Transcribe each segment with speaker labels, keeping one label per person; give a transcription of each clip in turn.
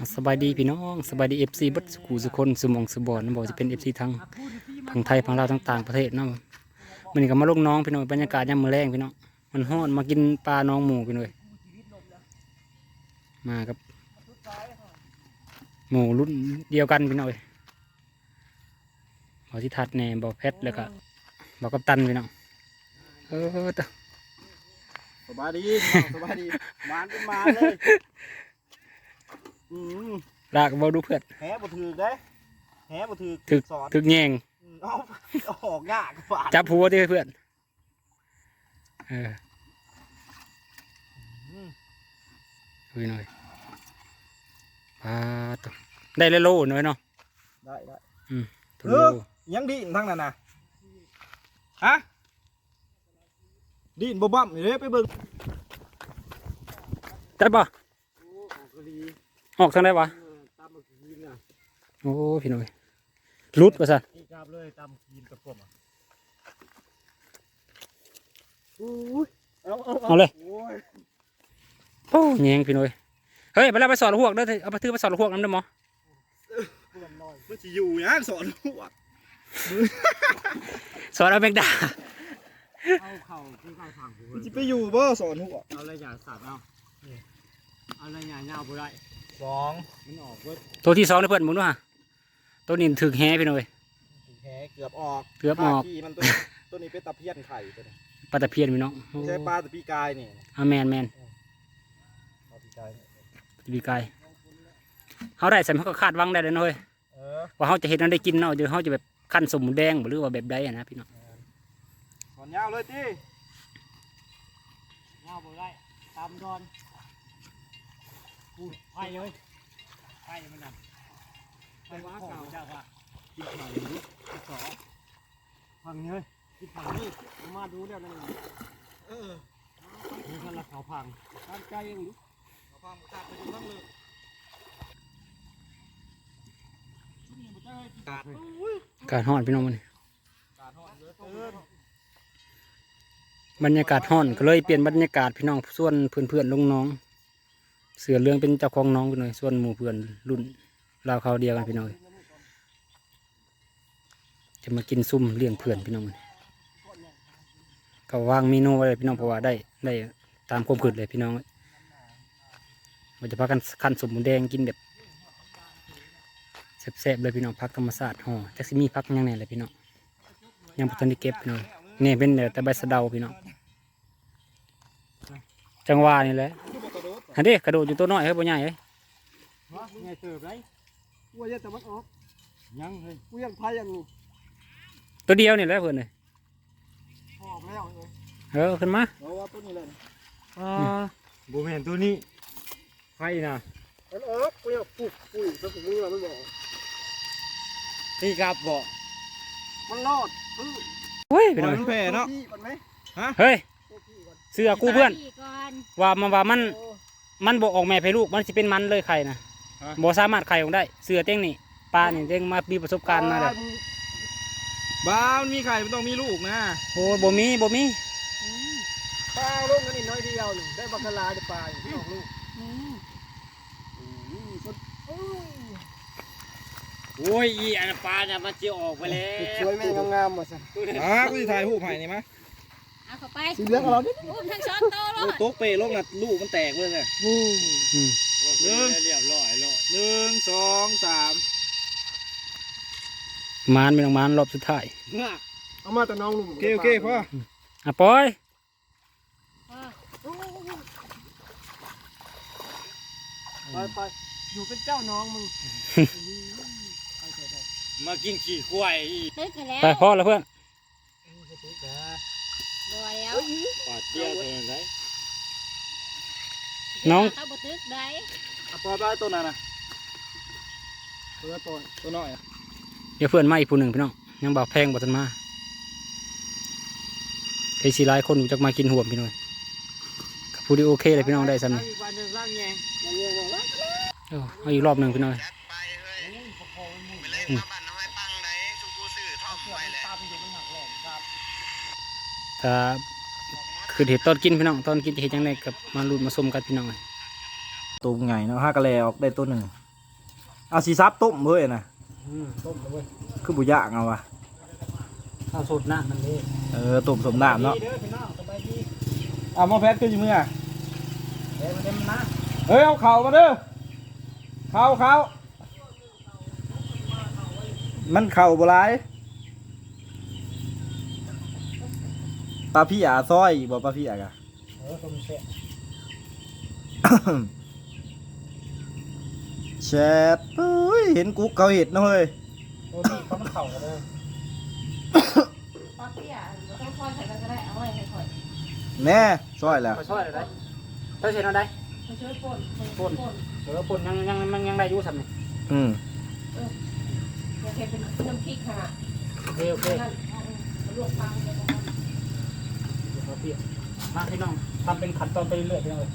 Speaker 1: สบายดีพี่น้องสบายดีFCบัดสุขุสุคนสุมองสุบอนนั่นบอกจะเป็น FC ทางไทยทางลาวทางต่างประเทศนั่นมันนี่ก็มาลงน้องพี่น้องบรรยากาศยามมื้อแรงพี่น้องมันฮ้อนมากินปลาน้องหมูพี่น้องมากับหมูรุ่นเดียวกันพี่น้องบอกที่ทัดแน่บอกเพชรแล้วก็บอกกัปตันพี่น้อง
Speaker 2: สบายดีสบายดีมานเป็นมานเลย
Speaker 1: ลากบอดูเพื่อน
Speaker 2: แหบ่ถือได้แหบ่ถือสอน
Speaker 1: ถึกแยง
Speaker 2: เอาออกยากกว่า
Speaker 1: จับหัวที่เพื่อนดูหน่อยตัวได้เลยโลหน่อยเนาะ
Speaker 2: ได้
Speaker 1: โล
Speaker 2: ยังดีทั้งนั้นนะฮะดีนบ่บั่มนี่เด้ไปเบิ่ง
Speaker 1: ได้ปะออกทางได้ปะโอ้พี่หน่อยรุดป่ะสัน
Speaker 2: เลยตำกินกับผม
Speaker 1: เอาเลยโอ้แยงพี่หน่อยเฮ้ยไปแล้วไปสอนหัวกเด้อเอาไปถือไปสอนหัวกน้ำเด้อหมอ
Speaker 2: มันจะอยู่นะสอนหัวก
Speaker 1: สอนเอาแมงดา
Speaker 2: เอาเข่าคือเข่าทางมันจะไปอยู่บ่สอนหัวเอาอะไรอย่างสัตว์เอาอะไรอย่างเงาบ่ได้สองมันออกเว้ย
Speaker 1: ตัวที่สองเพื่อนหมุนว่ะตัวนี้ถึกแฮพี่หน่อย
Speaker 2: แหเกือบออกมันตัวนี้เป็นตะเพียนไข่ตัวนี้
Speaker 1: ปลาตะเพียนพี่น้อง
Speaker 2: ใช่ปลาตะปีกายนี่
Speaker 1: แมนปลาปีกายเขาได้ใส่เขาก็คาดวังได้เลยน้อยว่าเขาจะเห็นนั้นได้กินเนาะเดี๋ยวเขาจะแบบขั้นสมแดงหรือว่าแบบใดนะพี่น้อง
Speaker 2: ถอนยาวเลยจียาวบ่ได้ตามดอนพูดไผ่เลยไผ่มันนั่นไผ่ว่าเก่าจ้าว่ากินผังนี้กินสอผังนี้เลยกินผังนี้มาดูแล้วนั่นนี่ท่านละเขาผังตามใจเองเขาผังขาดไปดูบ้างเลย
Speaker 1: การห่อนพี่น้องมันบรรยากาศห่อนก็เลยเปลี่ยนบรรยากาศพี่น้องส่วนเพื่อนๆลงน้องเสือเรื่องเป็นเจ้าของน้องพี่น้องส่วนหมู่เพื่อนรุ่นราวเขาเดียวกันพี่น้องจะมากินซุ่มเลี้ยงเพื่อนพี่น้องก็วางเมนูไว้พี่น้องเพราะว่าได้ตามความคิดเลยพี่น้องมันจะพากันขั้นสมหมูแดงกินแบบแซ่บๆเลยพี่น้องพักธรรมศาสตร์ห่อจักซิมีพักยังไงเลยพี่น้องยังพุทธนิเก็บพี่น้องนี่เป็นแต่ใบสะเดาพี่น้องจังหวะนี่แหละฮันดิกระโดดอยู่ตัวน้อยเฮ้ยบ่ใหญ่เฮ้ย
Speaker 2: ไงเติบไรกูยังแต่มันออกยังเลยกูยังพายัง
Speaker 1: ตัวเดียวนี่แหละเพื่อนเลย
Speaker 2: ออกแล้ว
Speaker 1: ขึ้นมา
Speaker 2: ว่าตัวนี้เลยบูเห็นตัวนี้ไฟนะกูอยากปลุกสักมึงเราไม่บอกนี่ครับบอกมันรอด
Speaker 1: เฮ้ยพี่น้อง
Speaker 2: แผ่เนาะ
Speaker 1: เฮ้ยเสือกูเพื่อนว่ามันบอกออกแม่ให้ลูกมันจะเป็นมันเลยไข่นะบอกสามารถไข่ออกได้เสือเต้งนี่ปลานี่เต้งมามีประสบการณ์มาเลย
Speaker 2: บ้ามันมีไข่มันต้องมีลูกนะ
Speaker 1: โอ้บ่มี
Speaker 2: ปลาลูกกันนิดน้อยเดียวหนึ่งได้บักลาได้ปลาไม่ออกลูก
Speaker 3: โอ้ยอีอันปลาเนี่ยมันจะออกไปแล้ว
Speaker 2: สวยแม่งามๆมาสิกูจะถ่ายหูไผ่นี่มั้ย
Speaker 4: เอาเข้าไป
Speaker 2: สีเหลืองเราดิ
Speaker 4: อุ้มทั้งช้อนโตเลย
Speaker 2: โต๊ะเปย์ลูกน่ะลูกมันแตกเลยไง
Speaker 3: เรียบร้อยแล้ว
Speaker 2: 1 2 3
Speaker 1: มานเป็นมานรอบสุดท้าย
Speaker 2: เอามาแต่น้องลุงโอเคพ่อ
Speaker 1: ปอย
Speaker 2: ไปอยู่เป็นเจ้าน้องมึง
Speaker 3: มากินขี้ควาย
Speaker 4: ตึกกันแล้ว
Speaker 1: ไปพ่อแล้วเพื่อน
Speaker 4: บัวแล้ว
Speaker 3: ปาดเตี้ยตัวไหน
Speaker 1: น้อง
Speaker 4: เขาบตึกได้
Speaker 2: ปอยได้ตัวนั้นนะตัวน้อย
Speaker 1: เดี๋ยวเพื่อนมาอีกผู้หนึ่งพี่น้องยังบอกแพงบอกทันมาไอ้สีลายคนจะมากินห่วมพี่น้องพูดดีโอเคเลยพี่น้องได้ซ้ำนี่เอาอีกรอบหนึ่งพี่น้องถ้าคือเห็ดตอนกินพี่น้องตอนกินจะเห็ดยังไงกับมาลุ้นมาส้มกันพี่น้อง
Speaker 2: ตัวใหญ่เนาะ5กะแลออกได้ตัวหนึ่งเอาสีซับต้มเว้ยนะ
Speaker 1: ต้มเลยเว้ย
Speaker 2: คือบุย่างเอาวะ
Speaker 1: ข้าวสดน้ำมันนี่
Speaker 2: ต้มสมน้ำเนาะ
Speaker 1: เด้อพี่น้องสบายดี
Speaker 2: เอาหม้อแพทคืออยู่มือ
Speaker 1: เดี๋ยวมาเต็มนะ
Speaker 2: เฮ้ยเอาเข่ามาเด้อเข่ามันเข่าโบราณปลาพี่อาซอยบอกปลาพี่อากะ
Speaker 1: ต้มแซ่บ
Speaker 2: แชทเฮ้ยเห็นกุ๊กเขาเห็ดนะเฮ้ย
Speaker 1: ตัวนี้เขามันเข่ากันเลย
Speaker 4: ตอนที่เราต้องคอยใส่กันก็ได้เอาไว้ให้คอย
Speaker 2: แน่ซอยแล้ว
Speaker 1: มาช่วยอะไรเธอเช็ดเอาได้
Speaker 4: มาช่วยป่น
Speaker 1: ปุ่นยังได้อยู่สัมนี่
Speaker 2: อืม
Speaker 4: อยากให้เป็นน้ำพริกค่ะ
Speaker 1: โอเคโอเค
Speaker 4: นั่นมาลวกปลาเลย
Speaker 1: มาพี่น้องทำเป็นขัดตอนไปเรื่อยๆพี่น้องเลย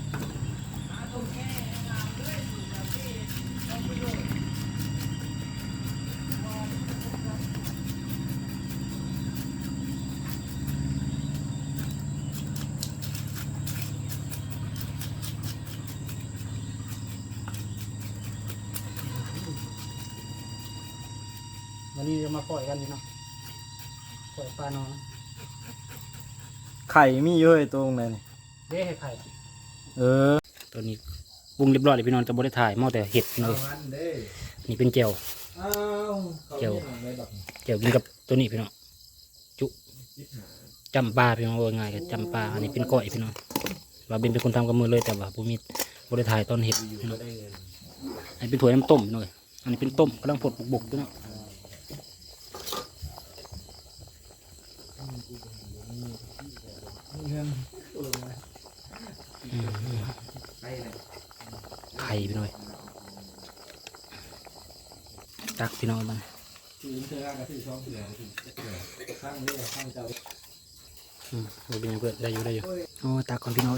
Speaker 1: วันนี้จะมาปล่อยกันพี่น้องปล่อยปลาน้อง
Speaker 2: ไข่มีเยอะตรงไหนนี่
Speaker 1: เด้ให้ไข่ ตัวนี้ปรุงเรียบร้อยเลยพี่น้องจะบริถ่ายหม้อแต่เห็ดเลยนี่เป็นเจียวเจียวกินกับตัวนี้พี่น้องจุจำปลาพี่น้องว่าง่ายกับจำปลาอันนี้เป็นก้อยพี่น้องว่าเป็นคนทำกับมือเลยแต่ว่าผมมีบริถ่ายตอนเห็ดพี่น้องอันนี้เป็นถ้วยน้ำต้มพี่น้องอันนี้เป็นต้มกำลังผดบกๆพี่น้องไข่พี่น้อยตักพี่น้อยบ้างเราเป็นยังเพื่อนได้อยู่โอ้ตักก่อนพี่น้อย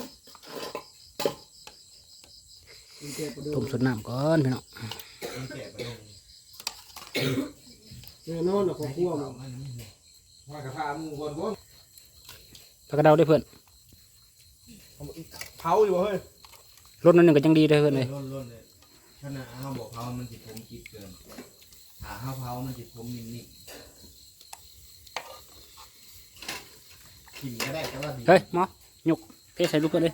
Speaker 1: ต้มสดน้ำก่อนพี่น้อง
Speaker 2: นอนกับพวกว่ากระทามูคนพวก
Speaker 1: ผักกระเดาได้เพื่อน
Speaker 2: เผาอยู่เฮ้ย
Speaker 1: รสนั่นหนึ่งก็ยังดีได้เพื่อนเลย
Speaker 5: ล้นเลยขนาดเขาบอกเผามันจิตผมคิดเกินหาเผามันจิตผมนิ่มๆกินก็ได้แต่ว่าดี
Speaker 1: เฮ้ยหมอหยกเทใส่ลูกเพื่อนเลย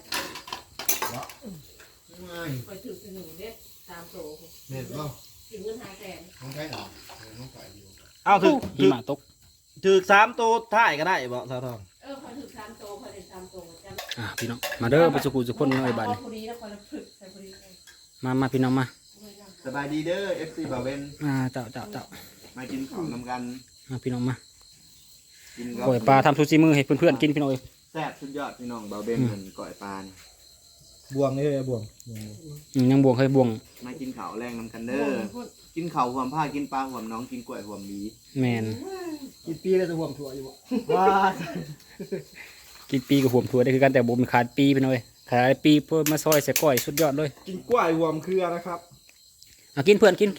Speaker 5: ไม่
Speaker 4: คอยถือเป็นหนึ่งเด็ดตามโต
Speaker 5: เด็ดก็
Speaker 4: ถึงเงิน500,000
Speaker 5: ของใช้หรอของใส่อยู่
Speaker 2: เอาถือ
Speaker 1: หิมะตก
Speaker 2: 3 ตัวถ่ายก็ได้บ่สาวทอง
Speaker 4: คอยถือ3โตคอยได้3โตจำ
Speaker 1: พี่น้องมาเด้อไปสุกุสุคนหน่อยบ้าน
Speaker 4: พอดีแล้วคอยละฝึกใส่พอดี
Speaker 1: มาพี่น้องมา
Speaker 5: สบายดีเด้อ FC บ่าวเวน
Speaker 1: เจ้า
Speaker 5: มากินของนำกัน
Speaker 1: มาพี่น้องมา
Speaker 5: กิน
Speaker 1: ปล่อยปลาทำซูชิมือให้เพื่อนๆกินพี่น้องเอ้ย
Speaker 5: แซ่บสุดยอดพี่น้องบ่าวเวนเหมือนก่อยปลา
Speaker 2: บวงนี่เลยบวง
Speaker 1: ยังบวงเคยบวง
Speaker 5: มากินข้าวแรงนำกันเด้อกินข้าวหวมผ้ากินปลาหวมน้องกินกล้วยหวมหมี
Speaker 1: แมน
Speaker 2: กี่ปีแล้วจะบวงถั่วอยู่บ่ว้า
Speaker 1: กินปีกับห่วมถั่วได้คือกันแต่บ่มขาดปีพี่น้องเอ้ยขาดปีเพื่อมาซอยใส่ก้อยสุดยอดเลย
Speaker 2: กินกล้วยบวงเครือนะครับ
Speaker 1: กินเพื่อนกิน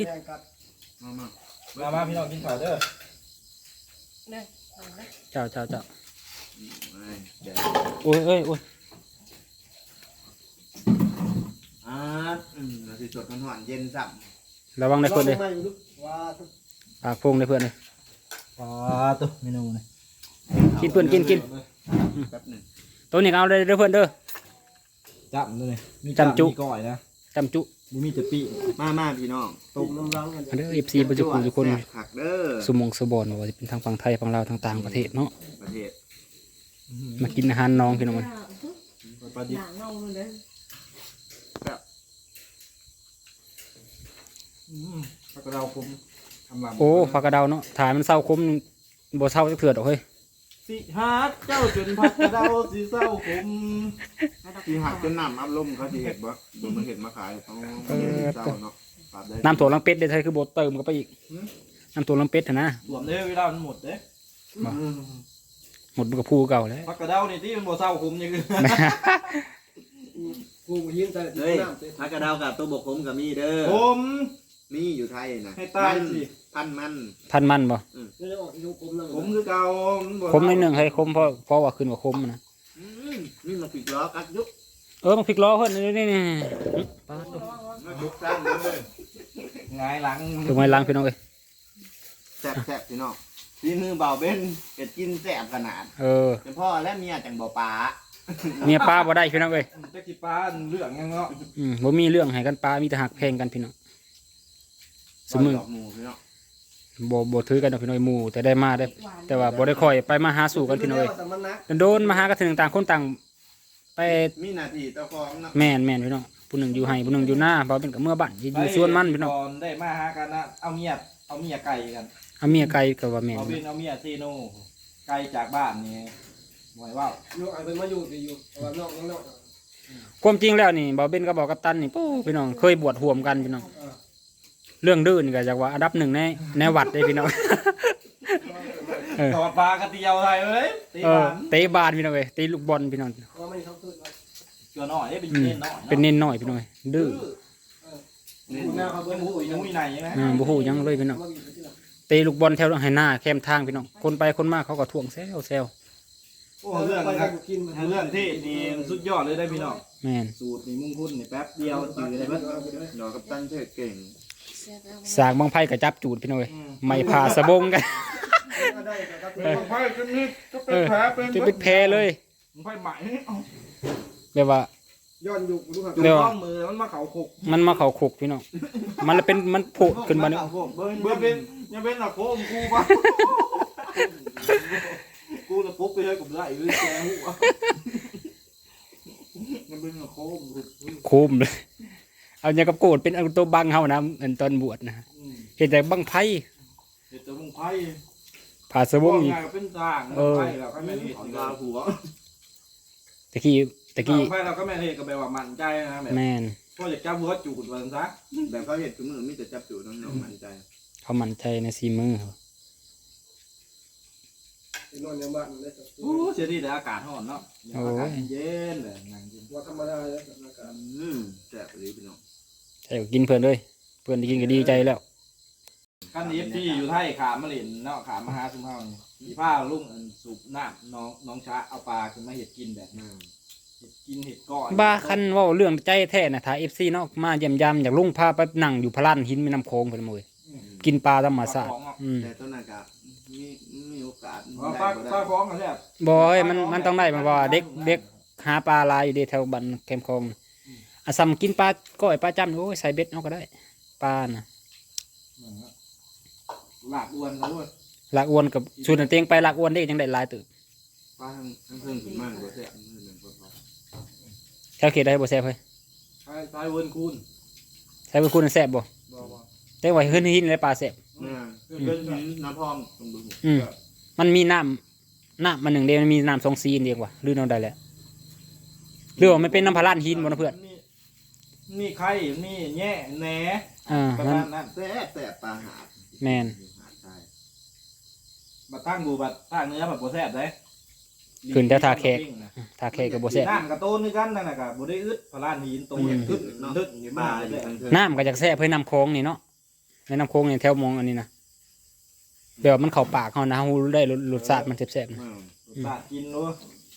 Speaker 5: มา
Speaker 2: พี่น้องกินข้าวเด้อ
Speaker 4: เนี่ย
Speaker 1: เจ้า
Speaker 5: เดี๋ยว
Speaker 1: โอ้ย
Speaker 5: เราสิสดมันหวานเย็นสับ
Speaker 1: ระวังได้เพื่อนเลย
Speaker 2: ว้า
Speaker 1: ปากโพงได้เพื่อนเลย
Speaker 2: ตัวเมนูนี่
Speaker 1: กินเพื่อนกิน
Speaker 5: แป๊บหนึ่ง
Speaker 1: ตัวนี้เอาเลยเด้อเพื่อนเด้อ
Speaker 2: จับด้วยมี
Speaker 1: จำจุ
Speaker 2: มีก้อยนะ
Speaker 1: จำจุ
Speaker 2: บุมีแต่ปี
Speaker 5: มาพี่น้อง
Speaker 2: ต้มน้ำร้อนกัน
Speaker 1: มาเด้อ FC บ่สุกุสุคน
Speaker 5: แซ่บผักเด้อ
Speaker 1: สมองสบอนว่าจะเป็นทางฝั่งไทยฝั่งลาวทางต่างประเทศเนาะ
Speaker 5: ประเทศ
Speaker 1: มากินอาหารน้องพี่น้องมัน
Speaker 2: ปลาดิบ
Speaker 4: หนังเงาเลย
Speaker 2: ปลากระเดาผมทำลำ
Speaker 1: โอ้ผักกระเดาเนาะถ่ายมันเศร้าคมบ่เศร้าจักเถื่อดอกเฮ้ย
Speaker 2: สิฮักเจ้าจนผักกระเดาสิเศร้าผม
Speaker 5: ที่หักจนน้ำอัพลมเขาสิเห็ดบ่ดูมันเห็ดมาขายเขาเศร้าเนาะปรับได้
Speaker 1: น้ำถั่วลังเป็ดได้ไทยคือบ่เติมเข้าไปอีกน้ำถั่วลังเป็ดหั่นนะ
Speaker 2: รวมเด้อเวลามันหมดเด้
Speaker 1: หมดมันก็พูเก่าแล้ว
Speaker 2: ผักกระเดานี่ที่มันบ่เศร้าผมยังคือกูยิงแต่
Speaker 5: เฮ้ยผักกระเดากับตัวบกผมกับมีเด้อ
Speaker 2: ผม
Speaker 5: มีอยู่ไทยนะ
Speaker 2: ให้ตายสิ
Speaker 5: พันมัน
Speaker 1: พันมันบ่
Speaker 2: ผมคือเก่ามันบ่
Speaker 1: คมนิดนึงให้คมเพราะว่าขึ้นว่าคมนะ
Speaker 5: นี่มาปิดล้อกัดยุก
Speaker 1: มันพลิกล้อเพิ่นนี่ปาด
Speaker 5: มายุกสร้างเลยหงายหลัง
Speaker 1: ถูกไหมล้างพี่น้องเอ้ย
Speaker 5: แซ่บๆพี่น้องพี่มือเบาเบ้นเป็ดกินแซ่บขนาด
Speaker 1: เออ
Speaker 5: เป็นพ่อและเมียจังบ่ปลา
Speaker 1: เมียป้าบ่ได้พี่น้องเอ้ย
Speaker 2: จะกี่ปลาเรื่องยังเนาะ
Speaker 1: บ่มีเรื่องให้กันป้ามีแต่หักแพงกันพี่น้องสมมือ
Speaker 5: ดอกหมูพี่น้อง
Speaker 1: บ่ถือกันดอกพี่น้องหมู่แต่ได้มาได้ แต่ว่าบ่ได้ค่อยไปมาหาสู่กันพี่น้องเอ้ยโดนมาหากันถึงต่างคนต่างไป
Speaker 5: มีหน้าที่เจ้าของเนาะ
Speaker 1: แม่นพี่น้องผู้หนึ่งอยู่ให้ผู้หนึ่งอยู่หน้าบ่เป็นกับเมื่อบ้านอยู่สวนมันพี่น้อง
Speaker 2: ตอนได้มาหากันนะเอาเมียไก่กัน
Speaker 1: เอาเมียไกลก็ว่าแม่น
Speaker 2: เอาเป็นเอาเมียเซโนไก่จากบ้านนี่หมายว่า
Speaker 6: ลูกไอ้เป็นมาอยู่ดีอยู่แต่ว่านอกนอก
Speaker 1: ความจริงแล้วนี่บ่าวเบนก็บอกกัปตันนี่ปู้พี่น้องเคยบวชห่วมกันพี่น้องเรื่องดื้อนี่ก็จากว่าอันดับหนึ่งในวัดเลยพี่น้อง
Speaker 2: ตอดปลากระเตียวไทยเลยตี
Speaker 1: เออ
Speaker 2: บ้าน
Speaker 1: เตะบาสพี่น้องเอ้ยเตะลูกบอลพี่น้อง
Speaker 6: ว่าไม่เขาขึ้นมา
Speaker 2: เกี่ยวหน่อยเป็น
Speaker 1: อืม
Speaker 2: เน้นหน่อย
Speaker 1: เป็นเน้นหน่อยพี่น้องเอ้ยดื้อ
Speaker 6: คุณแม่เขา
Speaker 2: เป็
Speaker 6: เบิ้
Speaker 2: น
Speaker 6: ล
Speaker 2: หมูอีนุ่ยในใช่ไหม
Speaker 1: บ่ฮู้หยังเลยพี่น้อง
Speaker 6: มาอยู่ที่ไหน
Speaker 1: เตะลูกบอลแถวให้หน้าแคมทางพี่น้องคนไปคนมาเขาก็ท่วงแซว
Speaker 2: โอ้เรื่องนะครับเรื่องที่นี่สุดยอดเลยได้พี่น้อง
Speaker 1: แม่น
Speaker 2: สูตรนี่มุ่งคุ้นนี่แป๊บเดียวจืดเลยเบิ้ล
Speaker 5: ดอกกับตันเทศเก่ง
Speaker 1: สากบางไผก็จับจูดพี่น้องเอ้ยไม่พาสะบงกัน
Speaker 6: ได้ครับ
Speaker 5: ไพ่ขึ้นนี่ก็
Speaker 1: เออจะเป็นแพ้เลย
Speaker 2: มึงไฟใหม่
Speaker 1: แบบว่า
Speaker 6: ย้อนยุคดูครับ
Speaker 2: จุดต้องมือมันมาเขาคุก
Speaker 1: มันมาเข้าคุกพี่น้องมันเลยเป็นมันโผล่ขึ้นมาเนี่ย
Speaker 2: เบิ้ลเป็นยังเป็นหลักโค้งกูปะกูจะปุ๊บไปเลยกับไรหรือแกหัวยังเป็นหลักโค้ง
Speaker 1: คุมเลยเอาอย่างกับโกรธเป็นเอาตัวบังเฮานะอันตอนบวชนะเห็นแต่บังไพ่
Speaker 2: เดี๋ยวจะมึงไพ่
Speaker 1: ผ่าสะบงอีก
Speaker 2: ไงเป็นต่างไพ่เราก็ไม่เห็น
Speaker 5: ของดาวหัว
Speaker 1: ตะกี้
Speaker 2: ไพ่เราก็ไม่เห็นก็แบบว่ามั่นใจนะแบบ
Speaker 1: แม่น
Speaker 2: พอจะจับหัวจูดวันซะ
Speaker 5: แบบเขาเห็นคือมือมีแต่จับจูน้องๆมั่นใจ
Speaker 1: เขามั่นใจในซีมือเขา
Speaker 6: นอนยังบ้านได้
Speaker 2: โอ้เสียดีแต่อากาศร้อนเนาะอากาศเย็นเลยนั่งกิน
Speaker 6: ว่าธรรมดาแล้วสถานการณ์
Speaker 5: แซ่บเลยพี่น้อง
Speaker 1: ใช่ก็กินเพื่อนเลยเพื่อนได้กินก็ดีใจแล้ว
Speaker 2: ขั้นนี้ที่อยู่ไทยขามมาเล่นเนาะขามมาหาซุ่มเฮานี่สีผ้าลุงสูบน้ำน้องช้าเอาปลาขึ้นมาเห็ดกินแบบเห็ดกินเห็ดก้อย
Speaker 1: บ้าคันเว่าเรื่องใจแท้นะถ้า FC เนาะมาเยี่ยมยามอยากลุงพาไปนั่งอยู่พระลานหินแม่น้ำโขงเพิ่นมื้อกินปลาธรรมชาติ
Speaker 5: แต่ต้นอากาศมีโอกาส
Speaker 2: ปลาปลาฟ้องกันแซ่บ
Speaker 1: บ่เอ้ยมันต้องได้มาว่าเด็กหาปลาหลายอยู่เด้แถวบ้านแคมป์คลองอาซ้ำกินปลาก้อยปลาจ้ำโอ้ยใส่เบ็ดเอาก็ได้ปลาน่ะ
Speaker 2: หลากอ้วนนะเว้ย
Speaker 1: ลากอวนกับสูตรเตียงไปลากอวนได้จังได้หลายตึก
Speaker 5: ป้าทั้งเพิ่งขึ้นมากกว่าแซ่บนี่เป็นคน
Speaker 1: แถวเขตได้บ่แซ่บเฮ้ย
Speaker 2: ตายเวิร์นคูณ
Speaker 1: แซ่บเป็นคุณแซ่บบ่
Speaker 2: บ่
Speaker 1: แต่ว่าขึ้นหินเลยปลาแซ่บ
Speaker 5: เนี่ยเป็นน้ำพองตรงดู
Speaker 1: มันมีน้ำมันหนึ่งเดียวมันมีน้ำสองซีนเดียวว่ะหรือน้ำใดแหละหรือว่ามันเป็นน้ำพะลานหินบ่นะเพื่อน
Speaker 2: นี่ไข่นี่แง่แหน ประ
Speaker 1: มัน
Speaker 2: มาณนั้น
Speaker 5: แซ่บปลาหาด
Speaker 1: แม่น
Speaker 5: หาดใช่
Speaker 2: บัดตั้งบูบัดตั้งเนื้อแบบโบแซ่บได้
Speaker 1: ขึ้นแต่ทาแขกทาแขกกับบ่แซ่บ
Speaker 2: น้ำกับโต้นนี่กันนั่นแหละกับโบได้อึดพลานหินโตอย่างทึด
Speaker 5: เนาะ
Speaker 2: ทึด
Speaker 5: ปลา
Speaker 2: มา
Speaker 5: อ
Speaker 2: เล
Speaker 5: ยู่
Speaker 2: ย
Speaker 5: ทางเทิง
Speaker 1: น้ำก็จากแซ่บเพื่อน้ำโค้งนี่เนาะในน้ำโค้งนี่แถวมองอันนี้นะเดี๋ยวมันเข้าปากเขานะฮู้ได้รสชาติมันแซ่บๆนะ
Speaker 2: ปาดกินรู้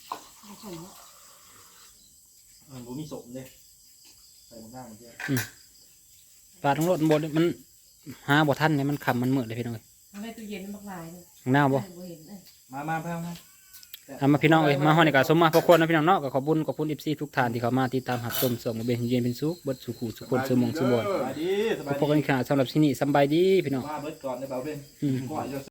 Speaker 2: บูมีสมเลยใส่หน้ามันเยอะ
Speaker 1: ปลาทั้งรสบ่มันหาบ่ทันเนี่ยมันค่ำมันมืดเลยพี่น้องเอ้ย
Speaker 4: ในตู้เย็นมันบักลายเลย
Speaker 1: ข้างหน้าบ่
Speaker 4: เห็นเลย
Speaker 2: มาเพิ่มนะ
Speaker 1: เอามาพี่น้องเอ้ยมาฮอดนี่ก็สมมาพระคนนะพี่น้องเนาะก็ขอบคุณ FC ทุกท่านที่เข้ามาติดตามรับชมส่งมาเป็นเย็นเป็นสุขเบิดสุขุสุขคนสมองสุบอน
Speaker 2: สบายดีสบาย
Speaker 1: พบกันอีกครั้งสำหรับที่นี่สำบายดีพี่น้อง
Speaker 2: มาเบิดก่อนได้เปล่าเพื่อน
Speaker 1: อืม
Speaker 2: ก่อนจะ